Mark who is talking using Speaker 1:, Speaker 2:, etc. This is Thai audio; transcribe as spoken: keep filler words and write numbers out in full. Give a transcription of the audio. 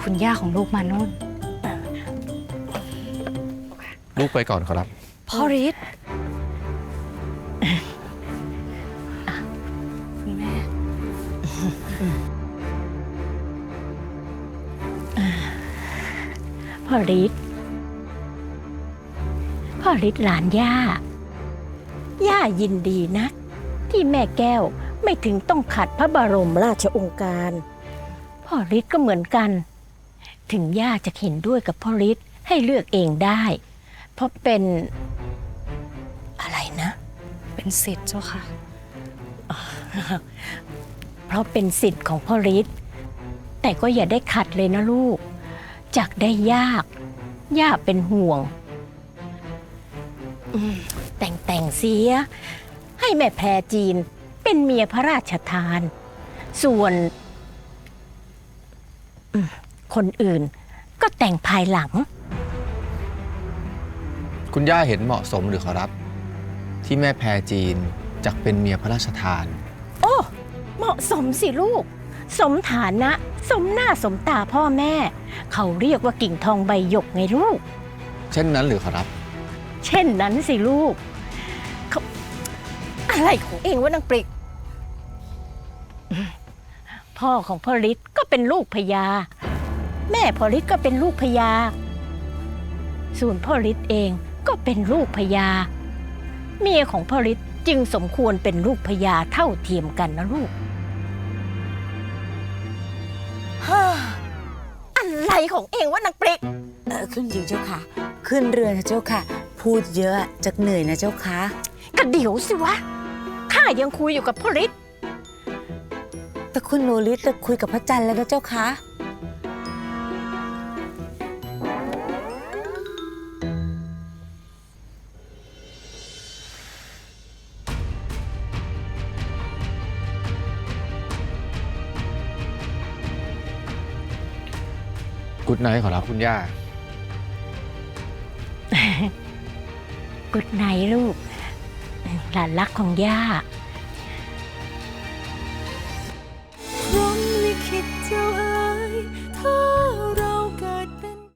Speaker 1: คุณย่าของลูกมานุ่น
Speaker 2: ลูกไปก่อนขอรับ
Speaker 1: พ่อฤทธิ์คุณแม่
Speaker 3: พ่อฤทธิ์พ่อฤทธิ์หลานย่า ย่ายินดีนะ ที่แม่แก้วไม่ถึงต้องขัดพระบรมราชโองการ พ่อฤทธิ์ก็เหมือนกัน ถึงย่าจะเห็นด้วยกับพ่อฤทธิ์ให้เลือกเองได้ เพราะเป็นอะไรนะ
Speaker 1: เป็นสิทธิ์เจ้าค่ะ
Speaker 3: เพราะเป็นสิทธิ์ของพ่อฤทธิ์แต่ก็อย่าได้ขัดเลยนะลูกจักได้ยาก ย่าเป็นห่วงอืมแต่งแต่งเสีย ให้แม่แพรจีนเป็นเมียพระราชทาน ส่วนอืมคนอื่นก็แต่งภายหลัง
Speaker 2: คุณย่าเห็นเหมาะสมหรือขอรับ ที่แม่แพรจีนจักเป็นเมียพระราชทาน
Speaker 3: โอ้เหมาะสมสิลูก สมฐานะ สมหน้าสมตาพ่อแม่ เขาเรียกว่ากิ่งทองใบหยกไงลูก
Speaker 2: เช่นนั้นหรือขอรับ
Speaker 3: เช่นนั้นสิลูกเขาอะไรของเองวะนางปริก พ่อของพ่อฤทธิ์ก็เป็นลูกพญาแม่พ่อฤทธิ์ก็เป็นลูกพญาส่วนพ่อฤทธิ์เองก็เป็นลูกพญาเมียของพ่อฤทธิ์จึงสมควรเป็นลูกพญาเท่าเทียมกันนะลูกฮ่าอะไรของเองวะนางปริก
Speaker 4: เออขึ้นหญิงเจ้าค่ะ ขึ้นเรือนะเจ้าค่ะ พูดเยอะจะเหนื่อยนะเจ้าค่ะ
Speaker 3: ก็เดี๋ยวสิวะข้ายังคุยอยู่กับพ่อฤทธิ์
Speaker 4: แต่คุณโนริจะคุยกับพระจันทร์แล้วนะเจ้าค่ะ
Speaker 2: กุดไนท์ขอรับคุณย่า
Speaker 3: กุดไนท์ลูก หลานรักของย่า